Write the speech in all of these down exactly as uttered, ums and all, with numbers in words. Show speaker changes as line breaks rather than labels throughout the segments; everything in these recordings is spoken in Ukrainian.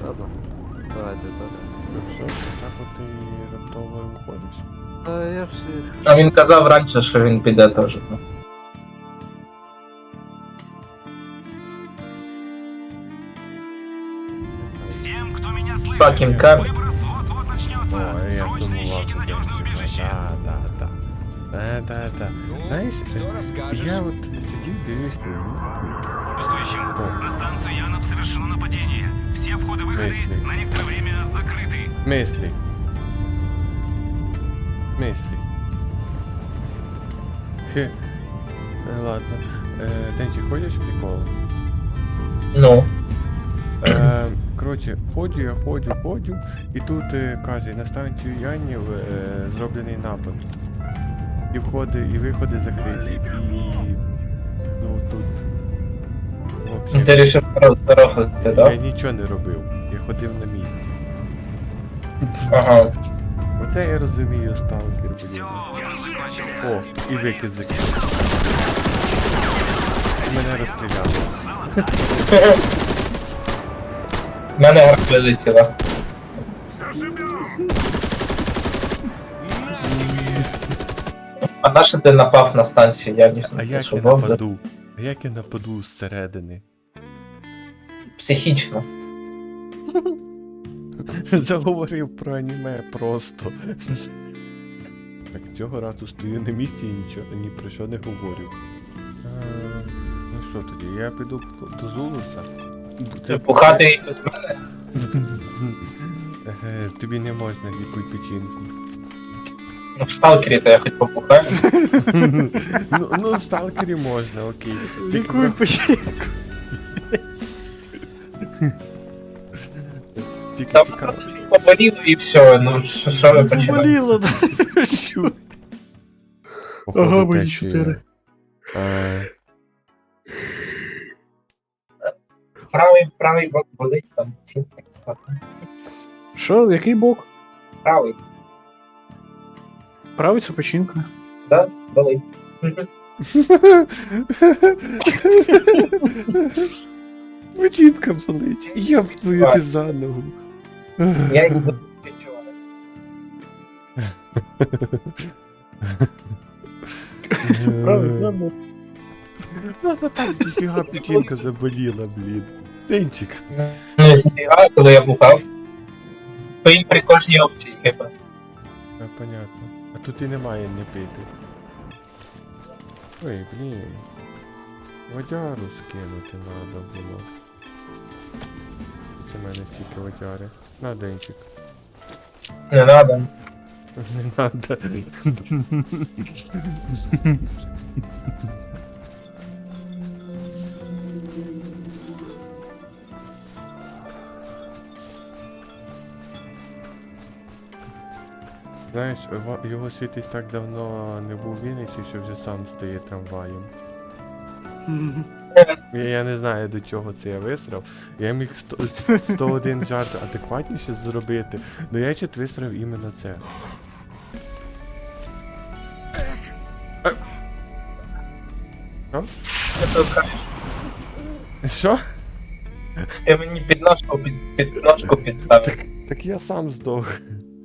Ладно. Давайте, давайте.
Ну все, так от ти раптово виходиш.
Та я всіх.
А він казав раніше, що він піде теж. ну.
Всем, кто меня слышит,
Fucking car.
выброс вот-вот начнется.
О, я
Срочно
сумував
ищите
за
надежное
Денчика.
прибежище.
Да, да, да. Да, да, да. Знаєш, я от сидів, дивлюсь.
Присутствующим.
О.
На станцию Янов совершено нападение. Все входы-выходы
Мысли.
на некоторое время закрыты.
Мислі. Мислі. Хе. Е, Ладно. Е, Денчик, ходиш в прикол?
Ну.
Е, коротше, ходжу, я ходжу, ходжу, і тут е, каже, на станцію Янів е, зроблений напад. І входи, і виходи закриті, і ну тут.
Ну,
Вообще,
Ти рішив роздорохати,
я
так?
нічого не робив. Я ходив на місці.
Ага.
Оце я розумію сталкер,
Все,
блін.
выброс закончен.
О, і викид закинув. І мене розстріляли.
В мене гарка вилетіла. А на що ти напав на станцію? Я ніхто
А
не
як я
шубав, да?
нападу? А як я нападу зсередини?
Психічно.
Заговорив про аніме просто. Так, цього разу стою на місці і нічого ні про що не говорю. А, ну що тоді, я піду до Зулуса.
Ти пухати без мене?
Е, Тобі не можна лікуй печінку.
Ну, в сталкері то я хоч попухаю.
Ну, ну, в сталкері можна, окей. Тільки
Лікуй
врах-
печінку.
Тільки
Там
цікаво.
просто чуть поболіло і все, ну що що ви починаєте?
Боліло, да.
Походу,
Ага, мої
те, що я-
чотири.
Е,
Правий, правий бок болить, там ці так стати.
Що, який бок?
Правий,
Правий це печінка.
да, болить.
Печінка болить. Я в твою ти за ногу.
Я її буду відчувати.
Правий, правий.
Просто так ніфіга печінка заболіла, блін. Денчик.
Ну, зніга, коли я пухав. То їм при кожній опції, хіба.
А, понятно. А тут і немає не пити. Ой, блін. Водяру скинути надо було. Це в мене стільки водяри. На, Денчик.
Не надо.
Не надо. Знаєш, ва- його світись так давно не був в Вінниці, що вже сам стає трамваєм. Я, я не знаю, до чого це я висрав. Я міг сто, сто один жарт адекватніше зробити, але я чит висрав іменно це.
Ти толкаєш.
Що?
Ти мені підножку під, підножку підставив.
Так, так я сам здох.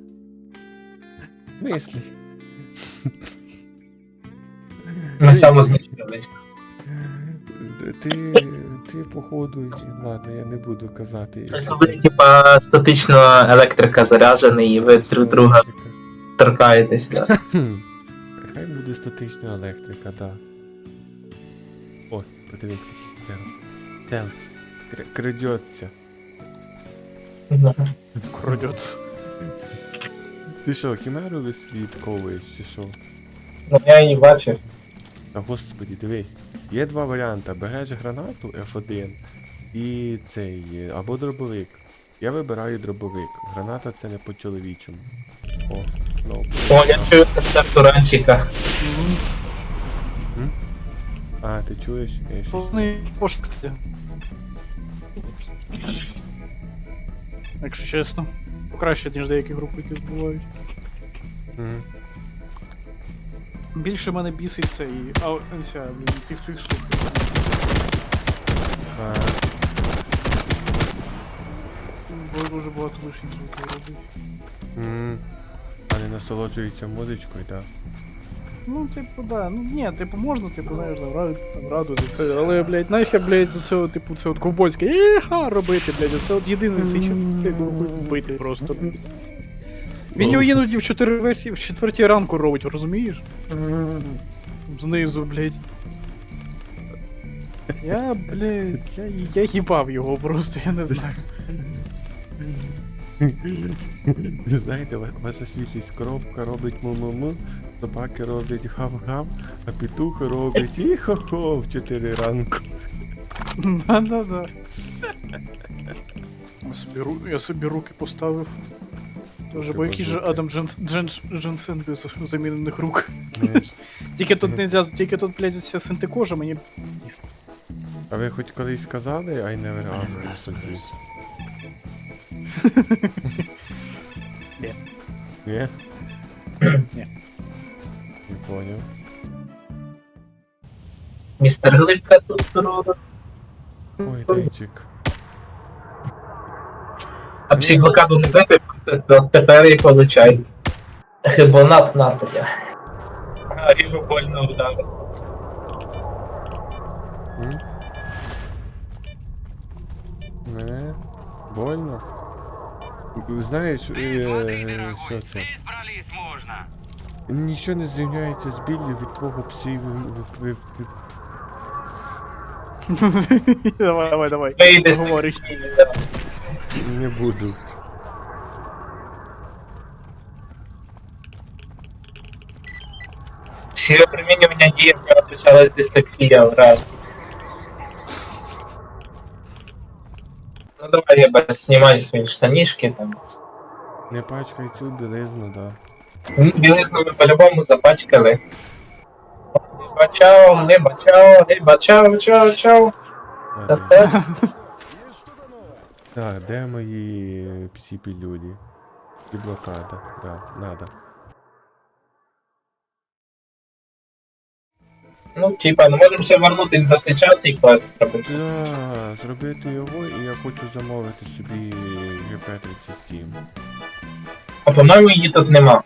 Мислі.
Ми самознищились.
Ти, ти походу, ладно, я не буду казати.
Ви, типа, статично електрика заряджений, і ви друг друга торкаєтесь, да.
Хм. Хай буде статична електрика, да. О, подивіться. Телс. Крадеться.
Крадеться.
Ти що, хімеру вислідковуєш чи що?
Ну я її бачив.
Та господі, дивись. Є два варіанти. Береш гранату еф один і цей, е, або дробовик. Я вибираю дробовик. Граната це не по-чоловічому. О, ну.
О, я чую концерт уранчика.
А, ти чуєш? Я щось...
Повний пошук. Якщо чесно. Покраще, ніж деякі групи, які бувають.
Мгм.
Більше мене бісить цей ау- ця, блін, тих твоїх слухів.
А,
було дуже багато лишніх звуків робити.
М, А не насолоджується музичкою, так?
Ну, типу, да. Ну ні, типу, можна, типу, знаєш, там, раду, там, радувати це, але, блядь, нахер, блядь, це, типу, це от ковбойське іха робити, блядь, це от єдиний цей чим бити просто. Він його іноді в четвертій, в четвертій ранку робить, розумієш? Знизу, блядь. Я, блядь, я, я їбав його просто, я не знаю.
Ви знаєте, ва- ваша свіжість коробка робить му-му-му, собаки роблять гав-гав, а петухи роблять і-хо-хо в чотири ранку.
Да-да-да. Я собі, ру- я собі руки поставив. Тоже, бо який же Адам Дженс, Дженс, Дженсен без замінених рук.
Не.
Тільки тут нельзя, тільки тут, блядь, вся синтекожа, мені...
А ви хоч колись сказали I never asked for this?
Ні.
Ні?
Ні.
Не поняв.
Містер Глибка тут здорово.
Ой, Денчик.
А психблокаду не дати, то тепер і получай. Гибонат натрія. А його больно вдали.
М? Не? Больно? Знаєш, е, що це?
Здесь брались можно.
Нічого не зрівняється з біллю від твого псів.
Давай, давай, давай.
Вийди з
Говори.
тих
Не буду.
всі опромінювання діє, в нього почалась дислексія враз. Ну давай, я без знімай свої штанішки там.
Не пачкай цю білизну, да.
Білизну ми по-любому запачкали. Гиба чао, гиба чао, гиба чао, чао, чао.
Ладно.
Та-та.
Так, де мої псі пілюлі? І блокада, да, надо.
Ну, типа, ну можемо ще вернутись до ситуації і клас зробити.
Да, зробити його, і я хочу замовити собі джі пі тридцять сім.
А по-моєму її тут нема.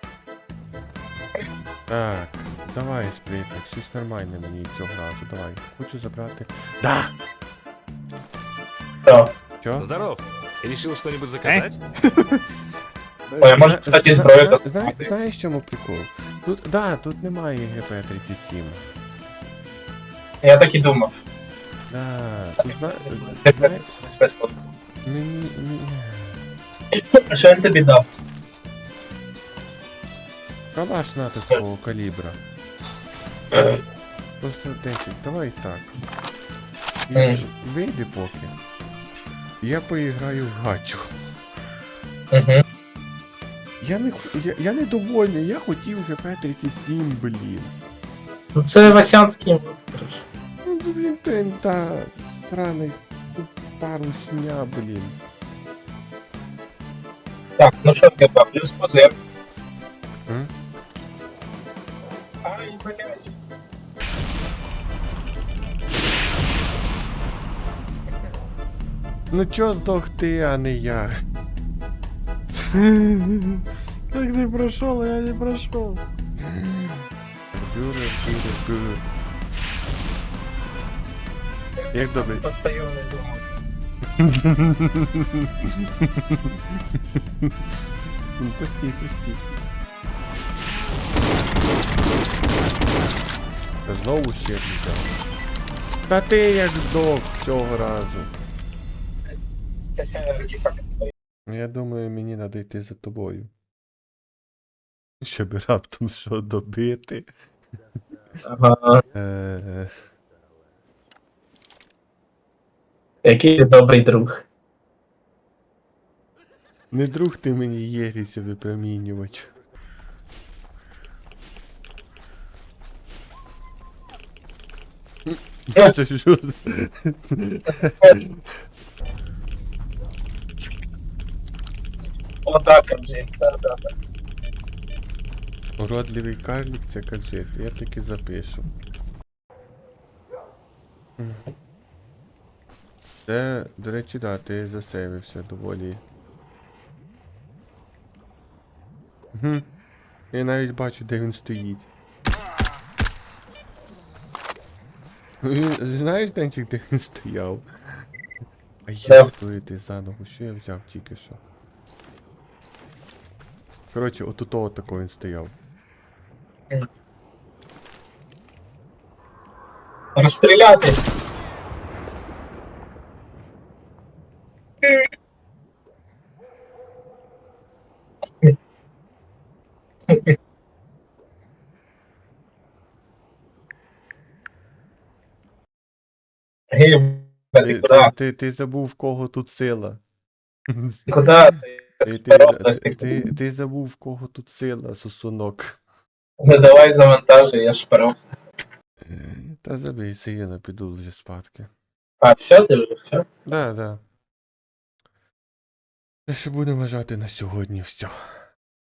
Так, давай, сплітник, щось нормальне мені цього разу, давай. Хочу забрати. Да!
То.
Чо?
Здоров. Решил что-нибудь заказать?
Ой, а може, кстати, зброю
Зна- зна-
доставати.
Знаєш, в чому прикол? Тут, да, тут немає джі пі тридцять сім.
Я так і думав.
Да, тут зна...
Тепер
знаєш,
смисло.
мені, мені...
А що він тобі дав?
Калаш натовського калібра. Просто десять, давай так.
Мгм.
Вийди поки. Я поіграю в гачу.
Угу.
Я не, х- я, я не довольний, я хотів джі пі тридцять сім, блін.
Ну це Васянський монстр.
Ну, блін, ти, та, сраний, тут парусня, блін.
Так, ну що тебе, плюс позив.
М?
Ай, блядь.
Ну чо здох ти, а не я?
Как ты прошел, а я не прошел.
Бюре, бюре, бюре. Як добре?
Постою внизу.
Ну, Пусти, пусти. Та знову ще взяв. Та ти як здох цього разу. Я думаю, мені треба йти за тобою. Щоб раптом що добити.
Ага.
Е,
Який ти добрий друг.
Не друг ти мені єріся випромінювач. Це що? за-
О, так, Анджей, да, да, да.
Уродливий карлік це каджет, я таки запишу. Це, до речі, да, ти засейвився доволі. Угу. Я навіть бачу, де він стоїть. Він- Знаєш, Денчик, де він стояв? А
Де?
як твою ти за ногу? Що я взяв тільки що? Коротше, от у того такого він стояв.
Розстріляти! Гей,
Ти,
ти
ти,
куди?
ти, ти забув, в кого тут сила.
Куди?
Ти,
Ти,
ти,
ти,
ти, ти забув, в кого тут сила, сосунок.
Ну давай завантажуй, я шпаров.
Та забий, сиєна, піду вже спадки.
А, все, ти вже, все?
Да, да. Те, що будемо вважати на сьогодні все.